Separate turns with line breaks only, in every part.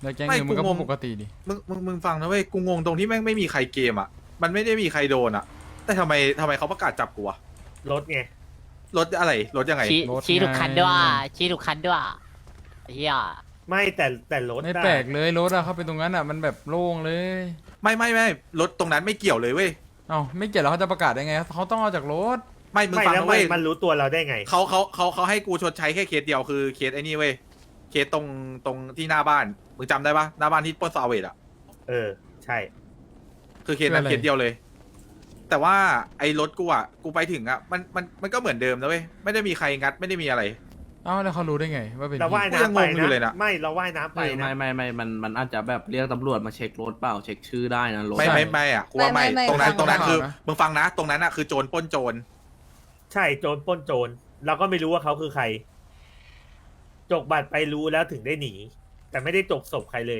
แล้วแก๊งนึงมันก็ปกติดิ
มึงฟังนะเว้ยกูงงตรงที่แม่งไม่มีใครเกมอ่ะมันไม่ได้มีใครโดนอ่ะแต่ทำไมเขาประกาศจับกูอะ
รถไง
รถอะไรรถยังไง
ชี้ถูกคันด้วยชี้ถูกคันด้วยเฮีย
ไม่แต่รถ
ไม่แปลกเลยรถอะเข้าไปตรงนั้นอะมันแบบโล่งเลย
ไม่รถตรงนั้นไม่เกี่ยวเลยเว้ย
เอ้าไม่เกี่ยวแล้วเขาจะประกาศได้ไงเขาต้องเอาจากรถ
ไม่มึงฟังนะเว้ย
มันรู้ตัวเราได้ไง
เขาให้กูชดใช้แค่เคสเดียวคือเคสไอ้นี่เว้ยเคสตรงที่หน้าบ้านมึงจำได้ปะหน้าบ้านที่ปล้นซาเวดอ่ะ
ใช่
คือเคสนั้นเคสเดียวเลยแต่ว่าไอ้รถกูอ่ะกูไปถึงอ่ะมันก็เหมือนเดิมนะเว้ยไม่ได้มีใครงัดไม่ได้มีอะไร
เอ้าแล้วเขารู้ได้ไงว่าเป็น
เราว่ายน้ำไปนะไม่เราว่ายน้ำไปนะ
ไม่มันอาจจะแบบเรียกตำรวจมาเช็ครถเปล่าเช็คชื่อได้นะรถ
ไม่อ่ะกูว่าไม่ตรงนั้นคือมึงฟังนะตรงนั้นอ่ะคือโจรปล้นโจร
ใช่โจรปล้นโจรเราก็ไม่รู้ว่าเขาคือใครจกบัตรไปรู้แล้วถึงได้หนีแต่ไม่ได้จกศพใครเลย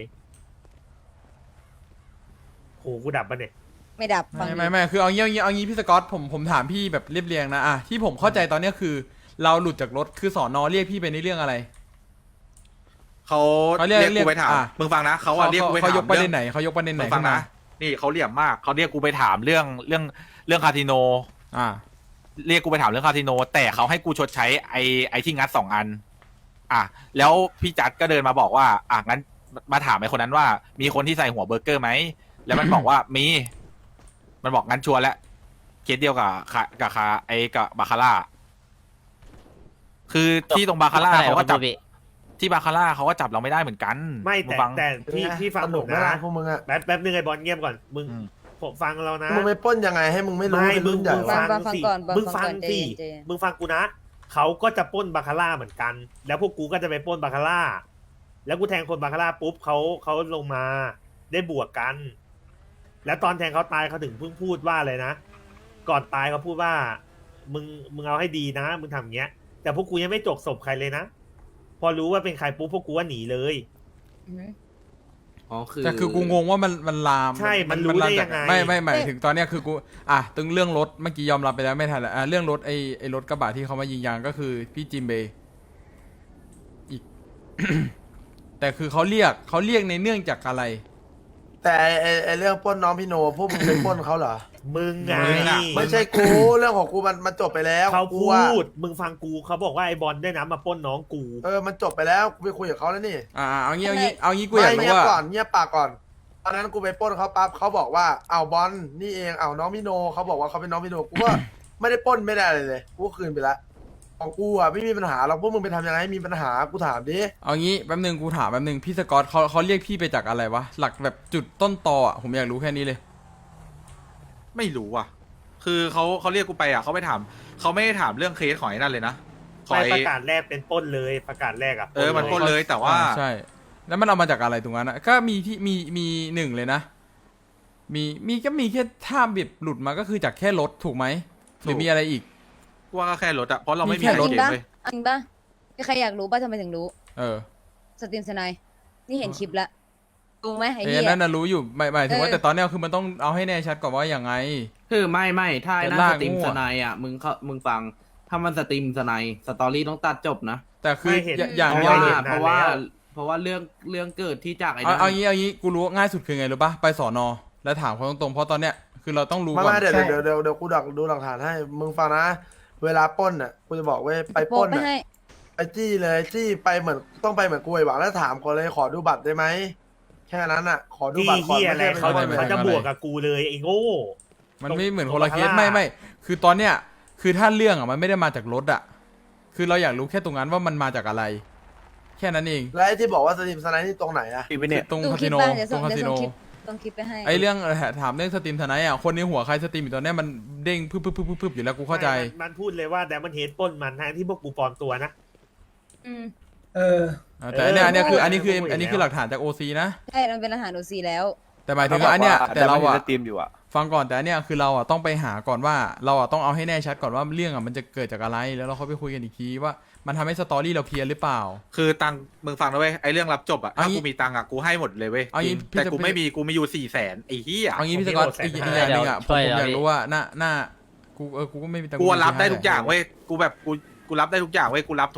โหกูดับปะเนี่ย
ไม่ดับ
ไม่คือเอางี้พี่สกอตผมถามพี่แบบเรียบเรียงนะอะที่ผมเข้าใจตอนนี้คือเราหลุดจากรถคือสอนอเรียกพี่ไปในเรื่องอะไร
เขาเรียกกูไปถามมึงฟังนะเขาเรียกกูไปถาม
เขายกประเด็นไหนเขายกประเด็นไหน
ฟังนะนี่เขาเหลี่ยมมากเขาเรียกกูไปถามเรื่องคาสิโนเรียกกูไปถามเรื่องคาสิโนแต่เขาให้กูชดใช้ไอที่งัด2 อันแล้วพี่จัดก็เดินมาบอกว่างั้นมาถามไอคนนั้นว่ามีคนที่ใส่หัวเบอร์เกอร์ไหมแล้วมันบอกว่ามีมันบอกงั้นชัวร์แล้วเคสเดียวกับบาคาร่าคือที่ตรงบาคาร่าเขาก็จับที่บาคาร่าเขาก็จับเราไม่ได้เหมือนกัน
ไม่แต่พี่ฟังผมนะ
พวกมึงอะ
แป๊บนึงไอ้บอลเงียบก่อนมึงผมฟังเรานะ
มึงไม่ป้นยังไงให้มึงไม่รู้
มึงฟังสิมึงฟังสิมึงฟังกูนะเขาก็จะปล้นบาคาร่าเหมือนกัน แล้วพวกกูก็จะไปปล้นบาคาร่าแล้วกูแทงคนบาคาร่าปุ๊บเขาลงมาได้บวกกันแล้วตอนแทงเขาตายเขาถึงเพิ่งพูดว่าอะไรนะก่อนตายเขาพูดว่ามึงเอาให้ดีนะมึงทำอย่างเงี้ยแต่พวกกูยังไม่จกศพใครเลยนะพอรู้ว่าเป็นใครปุ๊บพวกกูว่าหนีเลย
แต่คือกูงงว่ามันลาม
ใช่มันรู้ได้ยังไง
ไม่หมายถึงตอนเนี้ยคือกูตึงเรื่องรถเมื่อกี้ยอมรับไปแล้วไม่ทันแล้วเรื่องรถไอ้รถกระบะที่เขามายิงยางก็คือพี่จิมเบย์อีก แต่คือเขาเรียกในเนื่องจากอะไร
แต่ไอเรื่องปล้นน้องพี่โนพวกมึงไปปล้นเขาเหรอ
มึงไง
ไม่ใช่กูเรื่องของกูมันจบไปแล้ว
เขาพูดมึงฟังกูเขาบอกว่าไอ้บอลได้น้ำมาปล้นน้องกู
มันจบไปแล้วกูไปคุยกับเขาแล้วนี่
เอางี้กูอยากรู้ว่า
เงียบปากก่อนตอนนั้นกูไปปล้นเขาปั๊บเขาบอกว่าเอาบอลนี่เองเอาน้องพี่โนเขาบอกว่าเขาเป็นน้องพี่โนกูก็ไม่ได้ปล้นไม่ได้เลยกูคืนไปละของกูไม่มีปัญหาหรอกพวกมึงไปทำยังไงมีปัญหากูถามดิ
เอางี้แป๊บนึงกูถามแป๊บนึงพี่สกอตเขาเรียกพี่ไปจากอะไรวะหลักแบบจุดต้นตอผมอยากรู้แค่นี้เลย
ไม่รู้คือเขาเรียกกูไปเขาไม่ถามเขาไม่ได้ถามเรื่องเคสของไอ้นั่นเลยนะ
ประกาศแรกเป็นปล้นเลยประกาศแรก
มันปล้นเลยแต่ว่า
ใช่แล้วมันเอามาจากอะไรตรงนั้นก็มีที่มีหนึ่งเลยนะมีก็มีแค่ท่าแบบหลุดมาก็คือจากแค่รถถูกไหมหรือมีอะไรอีก
ว่าก็แค่รถเพราะเราไม่มีรถเลย
อันป่ะมีใครอยากรู้ป่ะทำไมถึงรู้สตรีมสไนนี่เห็นคลิปแล้วรู้ไหมไอ้เหี้ย
นั่นน่ะรู้อยู่หมายถึงว่าแต่ตอนนี้คือมันต้องเอาให้แน่ชัดก่อนว่าอย่างไง
คือไม่ถ้านั่นสตรีมสไนมึงฟังถ้ามันสตรีมสไนสตอรี่ต้องตัดจบนะ
แต่คืออย่าง
เพราะว่าเรื่องเกิดที่จากไอ้
เอางี้กูรู้ง่ายสุดคือไงรู้ป่ะไปสอนอแล้วถามเขาตรงๆเพราะตอนเนี้ยคือเราต้องรู้ก่อน
เดี๋ยวกูดูหลักฐานให้มึงฟังนะเวลาปล้นกูจะบอกว่าไปปล้นไอ้จี้เลยจี้ไปเหมือนต้องไปเหมือนกูไอ้หวังแล้วถามก่อนเลยขอดูบัตรได้ไหมแค่นั้นขอดูบัตรก่อน
ไม่ใช่เขาจะบวกกับกูเลยไอ้โง่
มันไม่เหมือนคนละเคสไม่คือตอนเนี้ยคือถ้าเรื่องมันไม่ได้มาจากรถคือเราอยากรู้แค่ตรงนั้นว่ามันมาจากอะไรแค่นั้นเอง
แล้วที่บอกว่าสตรีมสไนนี่ตรงไหน
ตรงคาสิโน
ต้องคลิปไปให้
ไอเรื่องถามเรื่องสตรีมสไนคนในหัวใครสตรีมอยู่ตอนนี้มันเด้งพึบอยู่แล้วกูเข้าใจ
มันพูดเลยว่าแต่มันเฮดปล้นมันทั้งที่พวกกูปลอมตัวนะ
แต่อันนี้คือหลักฐานจากโอซีนะ
ใช่มันเป็นหลักฐานโอซีแล้ว
แต่หมายถึงว่าอันเนี้ยแต่เรา
สตรีมอยู่
ฟังก่อนแต่อันเนี้ยคือเราต้องไปหาก่อนว่าเราต้องเอาให้แน่ชัดก่อนว่าเรื่องมันจะเกิดจากอะไรแล้วเราค่อยไปคุยกันอีกทีว่ามันทำให้สตอรี่เราเคลียร์หรือเปล่า
คือตังมึงฟังนะเว้ยไอเรื่องรับจบถ้ากูมีตังกูให้หมดเลยเว้ยแต่กูไม่มีกูมีอยู่400,000ไอ้เหี้ย
เอางี้พี่สกอตอีกอย่างนึงผมอยากรู้ว่าหน้ากูก็ไม่มีตัง
กูรับได้ทุกอย่างเว้ยกูแบบกูรับได้ทุกอย่างเว้ยกูรับทุก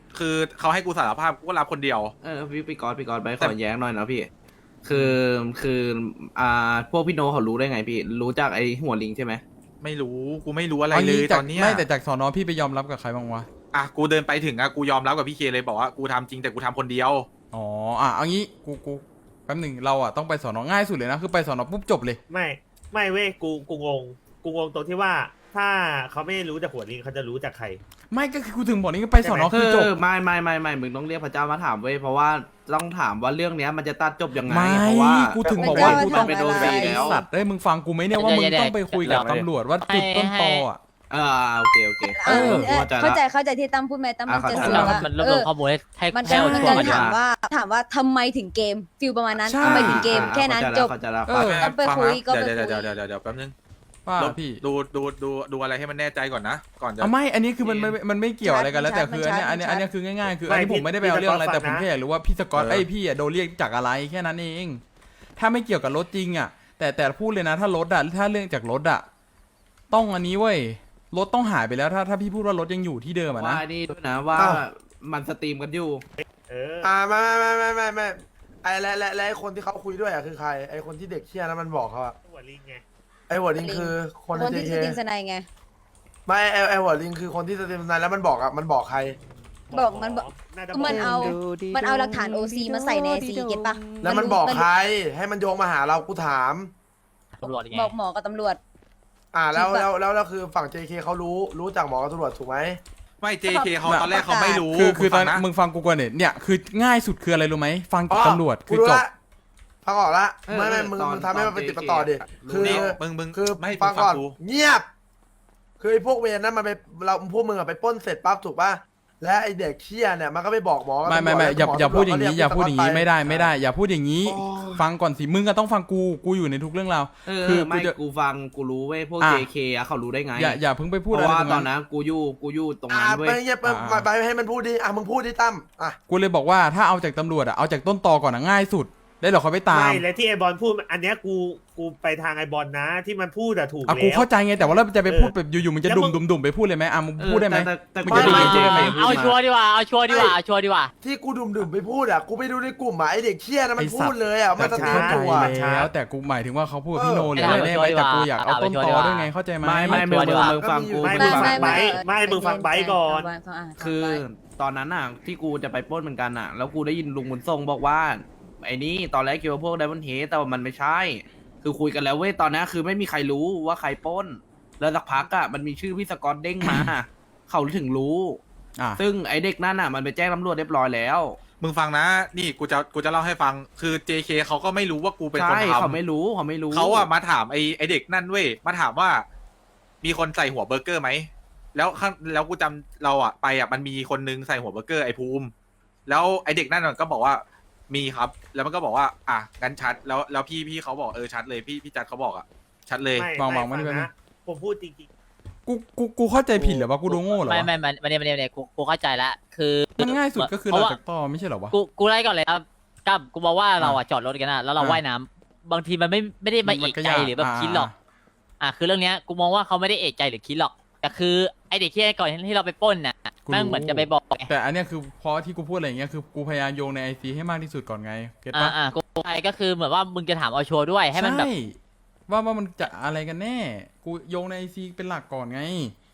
คือเขาให้กูสารภาพกูก็รับคนเดียว
พี่กอดไปขอแย้งหน่อยนะพี่ คือพวกพี่โนเขารู้ได้ไงพี่ รู้จากไอ้หัวลิงใช่ไหม
ไม่รู้กูไม่รู้อะไร
เอา
เล
งี้
ย
จาก
ตอนเนี้ย
ไม่แต่จากสอนอพี่ไปยอมรับกับใครบ้างวะ
อ่ะกูเดินไปถึงอ่ะกูยอมรับกับพี่เคเลยบอกว่ากูทำจริงแต่กูทำคนเดียว
อ๋อเอางี้กูแป๊บหนึ่งเราต้องไปสอนอง่ายสุดเลยนะคือไปสอนอปุ๊บจบเลย
ไม่เว้ยกูงงตรงที่ว่า ถ้าเขาไม่รู้จากหัวลิงเขาจะรู้จากใคร
ไม่ก็คือกูถึงบอกนี่ก็ไปสอนอคือจบ
ไม่มึงต้องเรียกพระเจ้ามาถามเว้ยเพราะว่าต้องถามว่าเรื่องเนี้ยมันจะตัดจบยังไง
ไม่
เพราะว่า
กูถึงบอกว่า
พระ
กู
เจ้า
ต้อง
มา
ไป
ทำ
โดน
อะไร
ไอ้สัตว์เอ้ยมึงฟังกูไหมเนี่ยว่ามึงต้องไปคุยกับตำรวจว่าจุดต้นตออ่ะ
โอเค
เข้าใจที่ตั้มพูดไหมตั้มมันจะ
เข้าใจ
สื่อ
แล้ว
ว่า
มันรวบรวมข้อมูลให้
มัน
ให้เอา
มัน
ชัว
จะ
ร์มาดีก
ถาม
ว่า
ว่าทำไมถึงเกมฟิลประมาณนั้น
ใช่
ทำไมถึงเกมแค่นั้นจบ
เข้าใจแล้ว
เออ
ต้องไปคุยก็ไปคุย
เดี๋ยวแป๊บนึง
ว่า
ลบ
พี่
ดูอะไรให้มันแน่ใจก่อนนะก่อนจะ
ไม่อันนี้คือมันไม่เกี่ยวอะไรกันแล้วแต่คืออันเนี้ยคือง่ายๆคืออันนี้ผมไม่ได้ไปเอาเรื่องอะไรแต่ผมแค่อยากรู้ว่าพี่สกอตพี่โดนเรียกจากอะไรแค่นั้นเองถ้าไม่เกี่ยวกับรถจริงอ่ะแต่พูดเลยนะถ้ารถถ้าเรื่องจากรถต้องอันนี้เว้ยรถต้องหายไปแล้วถ้าพี่พูดว่ารถยังอยู่ที่เดิมนะ
ว่านี่ด้วยนะว่ามันสตรีมกันอยู่
ไม่ไอ้และไอ้คนที่เขาคุยด้วยคือใครไอ้คนที่เด็กเชี่ยนั้นมันบอกเขาอะ
หัวลิงไง
ไอ้หัวลิงคือคน
คนที่
เจ
สติงสไนไง
ไม่ไอ้หัวลิงคือคนที่สตรีมนายแล้วมันบอกอะมันบอกใคร
บอกมันบอก
น่าจะ
มันเอาหลักฐานโอซีมาใส่ในซีเก็ตปะ
แล้วมันบอกใครให้มันโยงมาหาเรากูถาม
ตำรวจยังไง
บอกหมอกับตำรวจ
แล้วคือฝั่ง JK เขารู้จากหมอกับตำรวจถูกไหม
ไม่ JK เขาตอนแรกเขาไม่รู้
คือตอน
นะ
มึงฟังกูก่อนเนี่ยคือง่ายสุดคืออะไรรู้ไหมฟังจากตำรวจคือจบ
ฟังออกละไม่มึงทำให้มันเป็นติดต่อดิคือ
มึง
คือ
ไม่
ฟังก่อน
กู
เงียบ คือไอ้พวกเวรนั้นมันไปพวกมึงอะไปปล้นเสร็จปั๊บถูกป่ะและไอ้เด็กเชี่ยเนี่ยมันก็ไปบอกหมอกับ
ไม่
ตำรวจ
อย่าพูดอย่างนี้
นี้
อย่าพูดอย่างนี้ไม่ได้อย่าพูดอย่างนี้ ฟังก่อนสิมึงก็ต้องฟังกูอยู่ในทุกเรื่องราว
คือไม่กูฟังกูรู้เว้ยพวก JK เขารู้ได้ไง
อย่าเพิ่งไปพูด
เพ
อะไร
ราะว่า
ตรง
ตอน
นั้น
นั้นกูอยู่ตรงนั้นเว้ย
ไปเงียบไปให้มันพูดดิมึงพูดดิตั้ม
กูเลยบอกว่าถ้าเอาจากตำรวจเอาจากต้นตอก่อนง่ายสุดได้หรอเขาไปตาม
ไม่และที่ไอบอลพูดอันเนี้ยกูไปทางไอบอลนะ ที่มันพูดอะถูกแล้ว
กูเข้าใจไงแต่ว่าเราจะไปพูดแบบอยู่ๆมึงจะดุ่มไปพูดเลยไหมมึงพูดได้ไหม
แต่
มึงจะดุ่ม
JK
เอาชัวร์ดีกว่าเอาชัวร์ดีกว่า
ที่กูดื่มไปพูดกูไปดูในกลุ่มไอ้เด็กเชี่ยนะมันพูดเลยมันจะตี
เข้าใจ
ตัว
แล้วแต่กูหมายถึงว่าเขาพูดกับพี่โนเลยแน่ไหมแต่กูอยากเอาต้นตอด้วยไงเข้าใจไหม
ไม่มึงฟังกู
มึงฟังไบมึงฟังไบก่อน
คือตอนนั้นที่กูจะไปปล้นเหมือนกันแล้วกูได้ยินลุงบุญทรงบอกว่าไอ้นี่ตอนแรกคิดว่าพวกไดมอนด์เฮดแต่ว่ามันไม่ใช่ คือคุยกันแล้วเว้ยตอนนั้นคือไม่มีใครรู้ว่าใครปล้น แล้วสักพักมันมีชื่อพี่สกอตเด้งมา เขาถึงรู้ ซึ่งไอเด็กนั่นมันไปแจ้งตำรวจเรียบร้อยแล้ว
มึงฟังนะนี่กูจะเล่าให้ฟังคือ JK เขาก็ไม่รู้ว่ากูเป็นคน
ใช่
ทำ
เขาไม่รู้
เขามาถามไอเด็กนั่นเว้ยมาถามว่า มีคนใส่หัวเบอร์เกอร์ไหมแล้วกูจำเราไปมันมีคนนึงใส่หัวเบอร์เกอร์ไอภูมิแล้วไอเด็กนั่นมันก็บอกว่ามีครับแล้วมันก็บอกว่างั้นชัดแล้วพี่เขาบอกชัดเลยพี่จัดเขาบอกชัดเลย
มองไม่ได้นะ
ผมพูดจริง
กูเข้าใจผิดหรือว่ากูดูโง่เหรอ
ไม่เนี่ยกูเข้าใจแล้วคือ
มันง่ายสุดก็คือเราจากต่อไม่ใช่เหรอวะ
กูไล่ก่อนเลยครับกับกูบอกว่าเราจอดรถกันแล้วเราว่ายน้ำบางทีมันไม่ได้มาเอกใจหรือแบบคิดหรอกคือเรื่องเนี้ยกูมองว่าเขาไม่ได้เอกใจหรือคิดหรอกแต่คือไอเด็กที่ก่อนที่เราไปปล้นน่ะแม่งเหมือนจะไปบอก
แต่อันเนี้ยคือเพราะที่กูพูดอะไรอย่างเงี้ยคือกูพยายามโยงในไอซีให้มากที่สุดก่อนไงเก็ตปะ
กูไปก็คือเหมือนว่ามึงจะถามเอาชัวร์ด้วยให้มันแบบ
ว่ามันจะอะไรกันแน่กูโยงในไอซีเป็นหลักก่อนไง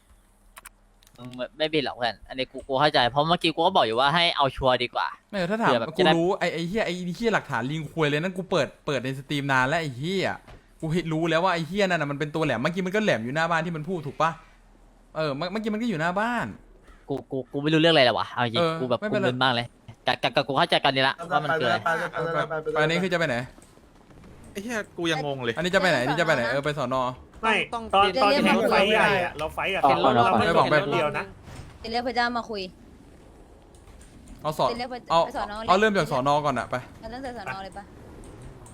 ไม่บินหรอกเพื่อนอันนี้กูเข้าใจเพราะเมื่อกี้กูก็บอกอยู่ว่าให้เอาชัวร์ดีกว่า
ไม่ถ้าถามกูรู้ไอ้เหี้ยหลักฐานลิงคุยเลยนั่นกูเปิดในสตรีมนานแล้วไอ้เหี้ยกูรู้แล้วว่าไอ้เหี้ยนั่นมันเป็นตัวแหลมเมื่อกี้มันก็แหลมอยู่หน้าบ้านที่มันพูดถูกปะเมื่อกี้มันก็อยู่หน้าบ้าน
กูไม่รู้เรื่องอะไรเลยวะเอาจริงกูแบบกูมึนมากเลยกับกูเข้าใจกันนี่ละว่ามันเกิดอะไร
อันนี้คือจะไปไหน
ไอ้เหี้ยกูยังงงเลย
อันนี้จะไปไหนไปสอนอ
ไม่ตอนที่เราไฟใหญ่เราไฟกับเขาเราไม่บอกแบบเดียวนะ
เรียกพระเจ้ามาคุย
เอาเริ่มจากสอนอก่อนไป
เริ่มจากสอนอเลยปะ